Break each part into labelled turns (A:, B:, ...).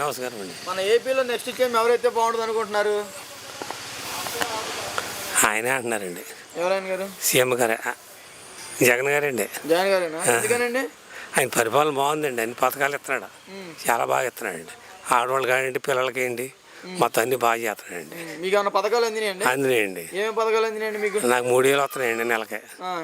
A: నమస్కారం అండి.
B: మన ఏపీలో నెక్స్ట్ సీఎం ఎవరైతే బాగుంటుంది అనుకుంటున్నారు?
A: ఆయనే అంటున్నారండి.
B: ఎవరైనా గారు?
A: సీఎం గారే, జగన్ గారండి.
B: జగన్ గారేనా? ఎందుకనండి?
A: ఆయన పరిపాలన బాగుందండి. అన్ని పథకాలు ఇస్తున్నాడు, చాలా బాగా ఇస్తున్నాడండి. ఆడవాళ్ళు కానివ్వండి, పిల్లలకి ఏంటి మొత్తం అన్ని బాగా చేస్తున్నాడండి.
B: మీకు ఏమైనా పథకాలు అందినాయండి?
A: అందినాయండి.
B: ఏమేమి పథకాలు అందినాయండి మీకు?
A: నాకు 3000 వస్తున్నాయండి నెలకి.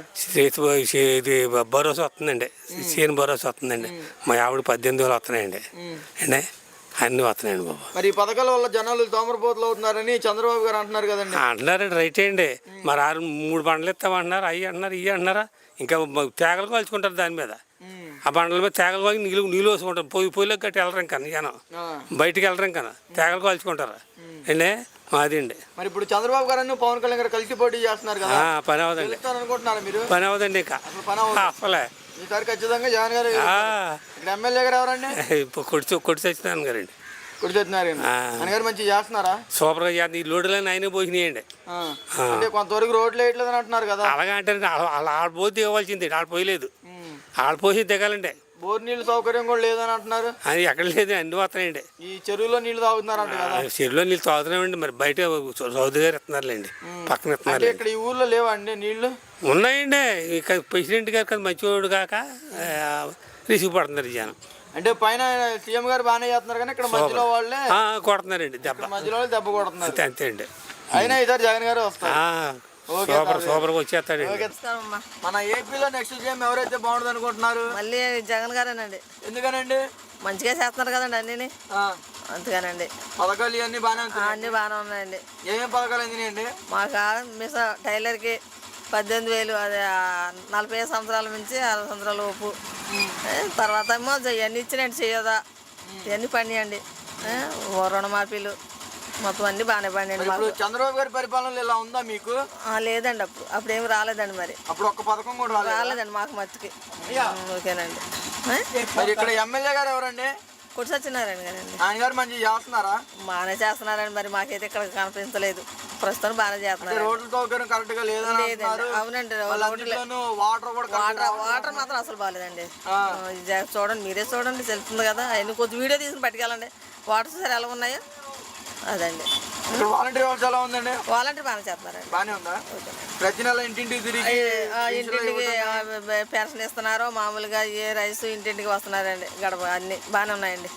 A: ఇది భరోసా వస్తుందండి, సీఎం భరోసా వస్తుందండి. మా ఆవిడ 18,000 వస్తున్నాయండి అండి. అన్నీ వస్తున్నాయండి బాబు.
B: మరి ఈ పథకాల వల్ల జనాలు తోమరపోతులు అవుతున్నారని చంద్రబాబు గారు అంటున్నారు కదండి.
A: అంటున్నారండి, రైట్ అండి. మరి 3 బండ్లు ఇస్తామంటున్నారు, అవి అంటున్నారు, ఇవి అంటున్నారా. ఇంకా తేగలు కాల్చుకుంటారు దాని మీద. ఆ బండ్ల మీద తేగలు కాల్చి నీళ్ళు వేసుకుంటారు. పొయ్యిలోకి గట్టి వెళ్ళరు ఇంకా జనం, బయటికి వెళ్ళరు ఇంకా తేగలు కాల్చుకుంటారు అండి. మాది అండి.
B: మరి ఇప్పుడు చంద్రబాబు గారు పవన్ కళ్యాణ్ గారు కలిసి పోటీ చేస్తున్నారు కదా,
A: పని అవదండి
B: అనుకుంటున్నారు మీరు?
A: పని అవదండి ఇంకా అసలే.
B: ఈసారి ఖచ్చితంగా జగన్ గారు. ఇక్కడ ఎమ్మెల్యే గారు ఎవరండి?
A: కొట్టి సత్యనారాయణ గారండి.
B: కొట్టి సత్యనారాయణ గారు మంచిగా చేస్తున్నారా?
A: సూపర్గా చేస్తున్నారు. ఈ రోడ్లన్నీ ఆయనే పోసినాయండి.
B: అంటే కొంతవరకు రోడ్లు వేయట్లేదు అని అంటున్నారు కదా.
A: అలాగే అంటే ఆడ పోసి దిగవలసింది, ఆడ పోయలేదు. ఆడ పోసి దిగాలండి.
B: బోర్ నీళ్ళు సౌకర్యం కూడా లేదని అంటున్నారు.
A: అది ఎక్కడ లేదు, అన్ని వస్తున్నాయండి.
B: ఈ చెరువులో నీళ్ళు తాగుతున్నారంట కదా.
A: చెరువులో నీళ్ళు తాగుతున్నామండి. మరి బయట చౌదరి గారు ఇస్తున్నారులేండి, పక్కన ఇస్తున్నారు.
B: ఇక్కడ ఈ ఊర్లో లేవండి నీళ్లు?
A: ఉన్నాయండి. ఇక ప్రెసిడెంట్ గారు కదా మంచివాడు కాక రిసీవ్ పడుతున్నారు జనం.
B: అంటే పైన సీఎం గారు బాగానే చేస్తున్నారు కానీ ఇక్కడ మధ్యలో వాళ్ళే
A: కొడుతున్నారండి దెబ్బ.
B: మధ్యలో వాళ్ళు దెబ్బ కొడుతున్నారు.
A: అంతే అండి.
B: అయినా ఈసారి జగన్ గారు వస్తారు.
A: సూపర్గా వచ్చేస్తాడు.
B: మన ఏపీలో నెక్స్ట్ సీఎం ఎవరైతే బాగుంటుంది అనుకుంటున్నారు?
C: మళ్ళీ జగన్ గారేనండి.
B: ఎందుకనండి?
C: మంచిగా చేస్తున్నారు కదండి అన్నీ, అందుకనండి.
B: పథకాలు ఇవన్నీ బాగానే
C: అన్నీ బాగానే ఉన్నాయండి.
B: ఏమేమి పథకాలు అందినాయండి?
C: మాకు టైలర్కి 18,000, అది 45 సంవత్సరాల నుంచి 60 సంవత్సరాల లోపు. తర్వాత ఏమో ఇవన్నీ ఇచ్చినండి, చేయదా ఇవన్నీ పండియండి. రుణమాఫీలు మొత్తం అన్ని బాగానే పండియండి మాకు.
B: చంద్రబాబు గారి పరిపాలన ఇలా ఉందా మీకు?
C: లేదండి, అప్పుడు ఏమి రాలేదండి. మరి
B: అప్పుడు ఒక్క పథకం కూడా
C: రాలేదండి మాకు మట్టుకి. ఓకేనండి.
B: మరి ఇక్కడ ఎమ్మెల్యే గారు ఎవరండి?
C: కొట్టి సత్యనారాయణ గారండి.
B: ఆయన గారు మంచిగా చేస్తున్నారా?
C: బాగానే చేస్తున్నారండి. మరి మాకైతే ఇక్కడ కనిపించలేదు. ప్రస్తుతం బాగానే చేస్తున్నారు.
B: రోడ్ల సౌకర్యం కరెక్ట్ గా లేదండి.
C: అవునండి, వాటర్ మాత్రం అసలు బాగాలేదండి. చూడండి, మీరే చూడండి, తెలుస్తుంది కదా. ఆయన కొంచెం వీడియో తీసుకుని పట్టుకెళ్ళండి. వాటర్ సరే ఎలా ఉన్నాయో అదండి.
B: వాలంటీర్ వ్యవస్థ ఎలా ఉందండి?
C: వాలంటీర్ బాగానే చేస్తున్నారండి.
B: బాగానే ఉందా? ప్రతి నెల ఇంటింటికి తిరిగి
C: ఇంటింటికి పెన్షన్ ఇస్తున్నారు. మామూలుగా ఏ రైస్ ఇంటింటికి వస్తున్నారండి. గడప అన్ని బాగానే ఉన్నాయండి.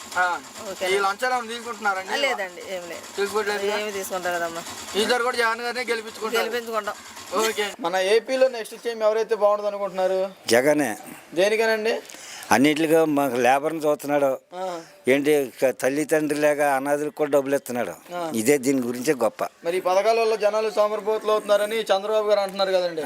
B: తీసుకుంటున్నారండి?
C: లేదండి, ఏమి లేదు, ఏమి తీసుకుంటారు కదమ్మా.
B: ఈసారి కూడా జగన్ గారిని
C: గెలిపించుకుంటాం.
B: ఓకే. మన ఏపీలో నెక్స్ట్ సీఎం ఎవరైతే బాగుంటుంది అనుకుంటున్నారు?
D: జగనే.
B: దేనికనండి?
D: అన్నిటిగా మాకు లేబర్ని చూస్తున్నాడు. ఏంటి తల్లిదండ్రులు లేక అనాథులకు కూడా డబ్బులు ఇస్తున్నాడు. ఇదే దీని గురించే గొప్ప.
B: మరి ఈ పథకాల వల్ల జనాలు సోమరిపోతులు అవుతున్నారని చంద్రబాబు గారు అంటున్నారు కదండి.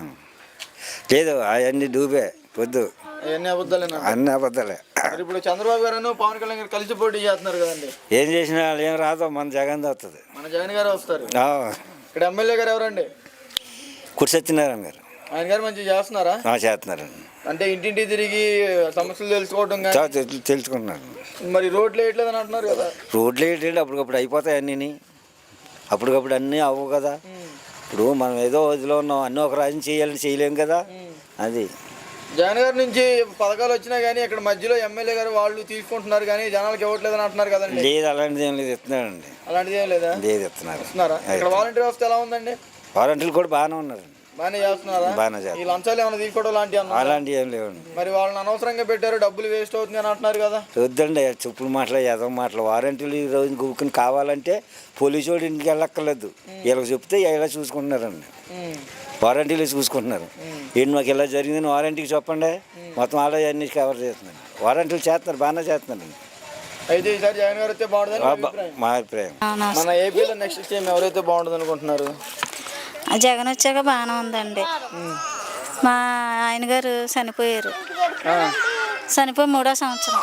D: లేదు, అవన్నీ డూబే పొద్దు,
B: అవన్నీ అబద్ధాలేనా?
D: అన్ని అబద్ధాలే.
B: ఇప్పుడు చంద్రబాబు గారు పవన్ కళ్యాణ్ గారు కలిసి పోటీ చేస్తున్నారు కదండి.
D: ఏం చేసినా ఏం రాదో, మన జగన్ వస్తుంది.
B: మన జగన్ గారు వస్తారు. ఇక్కడ ఎమ్మెల్యే గారు ఎవరండి?
D: కొట్టి సత్యనారాయణ గారు.
B: ఆయన గారు మంచిగా చేస్తున్నారా?
D: చేస్తున్నారండి.
B: అంటే ఇంటింటి తిరిగి సమస్యలు తెలుసుకోవడం
D: తెలుసుకున్నాను.
B: మరి రోడ్లు వేయట్లేదని అంటున్నారు కదా.
D: రోడ్లు వేయట్లేదు, అప్పటికప్పుడు అయిపోతాయి అన్నీ. అప్పటికప్పుడు అన్నీ అవ్వవు కదా. ఇప్పుడు మనం ఏదో వదిలో ఉన్నాం, అన్నీ ఒక రాజ్యం చేయాలని చేయలేము కదా. అది
B: జగన్ గారి నుంచి పథకాలు వచ్చినా కానీ ఇక్కడ మధ్యలో ఎమ్మెల్యే గారు వాళ్ళు తీసుకుంటున్నారు కానీ జనాలకు ఇవ్వట్లేదని అంటున్నారు కదండి.
D: లేదు, అలాంటిది ఏం లేదు, ఇస్తున్నాడండి.
B: అలాంటిది ఏం లేదా?
D: లేదు, ఇస్తున్నారు.
B: ఇక్కడ వాలంటీర్ వ్యవస్థ ఎలా ఉందండి?
D: వాలంటీర్లు కూడా బాగానే ఉన్నారు.
B: బాగానే చేస్తున్నారా?
D: బాగానే చేస్తారు.
B: ఈ లంచాలు ఏమైనా తీసుకోవడం లాంటివి?
D: అలాంటివి ఏం లేవండి.
B: మరి వాళ్ళని అనవసరంగా పెట్టారు, డబ్బులు వేస్ట్ అవుతుంది అని అంటున్నారు కదా.
D: వద్దండి, చెప్పులు మాటలు, ఎదవ మాటలు. వారంటీలు ఈ రోజు గుక్కుని కావాలంటే పోలీసు వాడు ఇంటికి వెళ్ళక్కర్లేదు. వీళ్ళకి చెప్తే ఇలా చూసుకుంటున్నారండి. వారంటీలు చూసుకుంటున్నారు. ఏంటి మాకు ఇలా జరిగిందని వారంటీకి చెప్పండి, మొత్తం ఆడ అన్ని కవర్ చేస్తున్నారు. వారంటీలు చేస్తున్నారు, బాగానే చేస్తున్నారండి.
B: అయితే ఈసారి జగన్ గారు అయితే బాగుంటుంది
D: మా అభిప్రాయం.
B: మన ఏపీలో నెక్స్ట్ సీఎం ఎవరైతే బాగుంటుంది అనుకుంటున్నారు?
E: జగన్ వచ్చాక బాగానే ఉందండి. మా ఆయన గారు చనిపోయారు. చనిపోయి 3వ సంవత్సరం.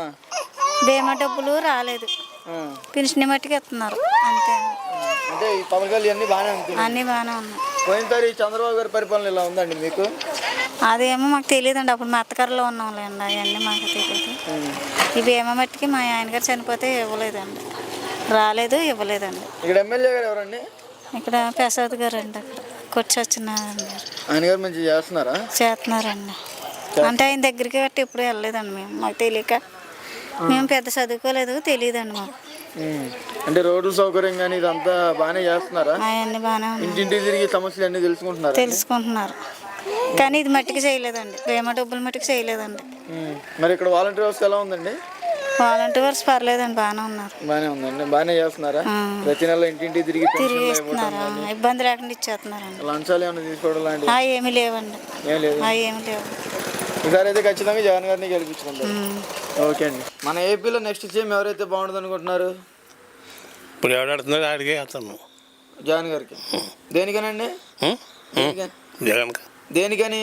E: బీమా డబ్బులు రాలేదు, పెన్షన్ మట్టుకు ఇస్తున్నారు అంతే.
B: అంటే ఈ పథకాలు అన్నీ బాగానే ఉంటాయి?
E: అన్నీ బాగానే ఉన్నాయి.
B: పోయినసారి చంద్రబాబు గారి పరిపాలన ఇలా ఉందండి మీకు?
E: అదేమో మాకు తెలియదండి, అప్పుడు మా అత్తగారిలో ఉన్నాంలేండి, అవన్నీ మాకు తెలియదు. ఈ బీమా మట్టుకి మా ఆయన గారు చనిపోతే ఇవ్వలేదండి, రాలేదు, ఇవ్వలేదండి.
B: ఇక్కడ ఎమ్మెల్యే గారు ఎవరండి?
E: ఇక్కడ ప్రసాద్ గారు అండి, అక్కడ కొట్టి సత్యనారాయణ గారు.
B: ఆయన గారు మంచిగా చేస్తున్నారా?
E: చేస్తున్నారండి. అంటే ఆయన దగ్గరికి గట్టి ఎప్పుడు వెళ్ళలేదండి మేము, మాకు తెలియక. మేము పెద్ద చదువుకోలేదు, తెలియదండి మాకు.
B: అంటే రోడ్ల సౌకర్యం కానీ ఇదంతా బాగానే చేస్తున్నారా?
E: అవన్నీ బాగానే ఉన్నాయి,
B: ఇంటింటికి తిరిగి సమస్యలు అన్నీ తెలుసుకుంటున్నారా?
E: తెలుసుకుంటున్నారు. కానీ ఇది మట్టికి చేయలేదండి, బీమా డబ్బులు మట్టికి చేయలేదండి.
B: మరి ఇక్కడ వాలంటీర్ వ్యవస్థ ఎలా ఉందండి?
E: వాలంటీర్స్ పర్లేదండి, బాగానే ఉన్నారు.
B: బాగానే ఉందండి. బాగానే చేస్తున్నారా? ప్రతి నెల ఇంటింటికి తిరిగి
E: తిరిగి ఇస్తున్నారు, ఇబ్బంది లేకుండా ఇచ్చేస్తున్నారండి.
B: లంచాలు ఏమైనా తీసుకోవడం లాంటివి
E: ఏమీ లేవండి,
B: ఏం లేదు.
E: ఏమి లేవు.
B: ఈసారి అయితే ఖచ్చితంగా జగన్ గారిని గెలిపించుకుంటారు. ఓకే అండి. మన ఏపీలో నెక్స్ట్ సీఎం ఎవరైతే బాగుంటుంది అనుకుంటున్నారు?
A: ఇప్పుడు ఎవడాడుతున్నారు ఆడికే వేస్తాను.
B: జగన్ గారికి. దేనికనండి?
A: జగన్
B: దేనికని?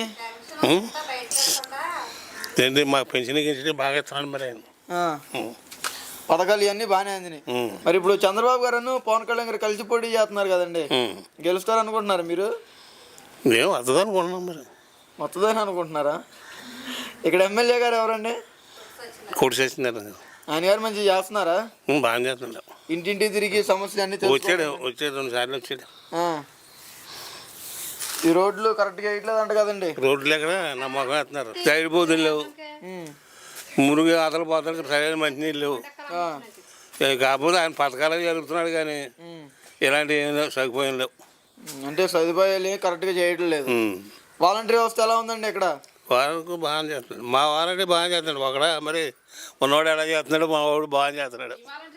A: ఏంటి మాకు పెన్షన్ గిన్షన్ బాగా ఇస్తున్నాను మరి ఆయన.
B: పథకాలు ఇవన్నీ బాగానే అందినాయి. మరి ఇప్పుడు చంద్రబాబు గారు పవన్ కళ్యాణ్ గారు కలిసి పోటీ చేస్తున్నారు కదండి, గెలుస్తారు అనుకుంటున్నారు మీరు?
A: మేము వస్తుంది అనుకుంటున్నాం మరి.
B: వస్తుందని అనుకుంటున్నారా? ఇక్కడ ఎమ్మెల్యే గారు ఎవరండి?
A: కోటి చేస్తున్నారు.
B: ఆయన గారు మంచిగా చేస్తున్నారా?
A: బాగా చేస్తున్నాడు.
B: ఇంటింటికి తిరిగి సమస్యలు అన్ని
A: వచ్చాడు 2 సార్లు వచ్చాడు.
B: ఈ రోడ్లు కరెక్ట్గా వేయట్లేదు అంట కదండి.
A: రోడ్లు ఎక్కడ నమ్మకం వేస్తున్నారు. సైడ్ బోధులు లేవు, మురుగు ఆతలు పోతానికి సరైన మంచినీళ్ళు లేవు. కాకపోతే ఆయన పథకాలు జరుగుతున్నాడు కానీ ఇలాంటివి ఏం లేవు, సదుపాయం లేవు.
B: అంటే సదుపాయాలు కరెక్ట్గా చేయడం లేదు. వాలంటీర్ వ్యవస్థ ఎలా ఉందండి ఇక్కడ?
A: వారికి బాగా చేస్తున్నాడు. మా వారంటే బాగా చేస్తున్నాడు. ఒకడ మరి ఉన్నవాడు ఎలా చేస్తున్నాడు, మా వాడు బాగా చేస్తున్నాడు.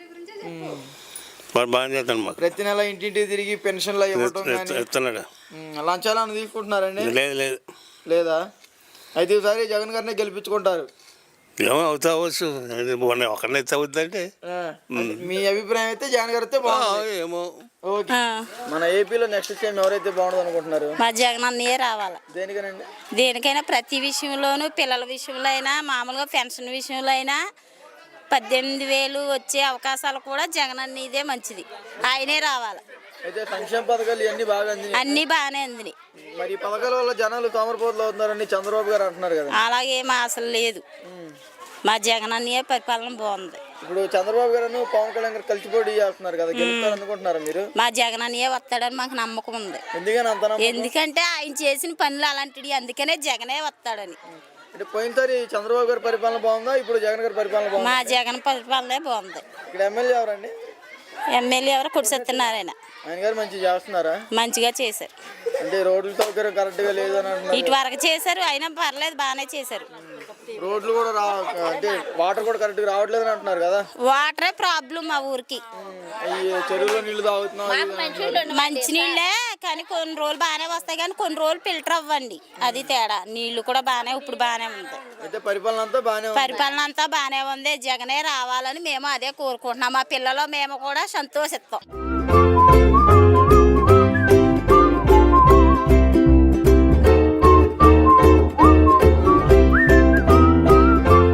A: వాడు బాగా చేస్తున్నాడు. మాకు
B: ప్రతి నెల ఇంటింటికి తిరిగి పెన్షన్లు
A: ఇస్తున్నాడు.
B: లంచాలు ఏమైనా తీసుకుంటున్నారండి?
A: లేదు లేదు.
B: లేదా? అయితే ఈసారి జగన్ గారిని గెలిపించుకుంటారు.
A: ఏమో అవుతా అవ్వచ్చు, ఒకరిని అయితే అవుద్దంటే.
B: మీ అభిప్రాయం అయితే జగన్ గారు అయితే బాగుంది.
A: ఏమో.
B: ఓకే. మన ఏపీలో నెక్స్ట్ సీఎం ఎవరైతే బాగుంటుంది అనుకుంటున్నారు?
F: మా జగన్ అన్నయ్యే రావాలి.
B: దేనికనండి?
F: దేనికైనా ప్రతి విషయంలోనూ, పిల్లల విషయంలో అయినా, మామూలుగా పెన్షన్ విషయంలో అయినా 18,000 వచ్చే అవకాశాలు కూడా జగన్ అన్నయ్యదే మంచిది, ఆయనే రావాలి.
B: అయితే సంక్షేమ పథకాలు ఇవన్నీ బాగా అందినాయి,
F: అన్నీ బాగానే అందినాయి.
B: మరి ఈ పథకాల వల్ల జనాలు తోమరపోతులు అవుతున్నారని చంద్రబాబు గారు అంటున్నారు కదా.
F: అలాగేమో అసలు లేదు, మా జగన్ అన్నయ్య పరిపాలన బాగుంది.
B: ఇప్పుడు చంద్రబాబు గారు పవన్ కళ్యాణ్ గారు కలిసి పోటీ చేస్తున్నారు కదా, గెలుస్తారు అనుకుంటున్నారా మీరు?
F: మా జగన్ అన్నయ్య వస్తాడని మాకు నమ్మకం ఉంది.
B: ఎందుకని అంత నమ్మకం?
F: ఎందుకంటే ఆయన చేసిన పనులు అలాంటివి, అందుకనే జగనే వస్తాడని.
B: అంటే పోయినసారి చంద్రబాబు గారి పరిపాలన బాగుందా, ఇప్పుడు జగన్ గారి పరిపాలన బాగుందా?
F: మా జగన్ పరిపాలనే బాగుంది.
B: ఇక్కడ ఎమ్మెల్యే ఎవరండి?
F: ఎమ్మెల్యే ఎవరు? కొడిసెత్తున్నారాయన.
B: ఆయన గారు మంచిగా చేస్తున్నారా?
F: మంచిగా చేశారు.
B: అంటే రోడ్ల సౌకర్యం కరెక్ట్గా లేదని అంటున్నారు.
F: ఇటు వరకు చేశారు, అయినా పర్లేదు, బాగానే చేశారు.
B: రోడ్లు కూడా అంటే వాటర్ కూడా కరెక్ట్గా రావట్లేదు అని అంటున్నారు కదా.
F: వాటరే ప్రాబ్లం మా ఊరికి.
B: చెరువులో నీళ్లు తాగుతున్నాం,
F: మంచినీళ్ళే కానీ కొన్ని రోజులు బాగానే వస్తాయి, కానీ కొన్ని రోజులు ఫిల్టర్ అవ్వండి, అది తేడా. నీళ్లు కూడా బాగానే ఇప్పుడు బాగానే ఉంది.
B: అయితే పరిపాలన
F: అంతా బాగానే ఉంది. జగనే రావాలని మేము అదే కోరుకుంటున్నాం. మా పిల్లలు మేము కూడా సంతోషిస్తాం.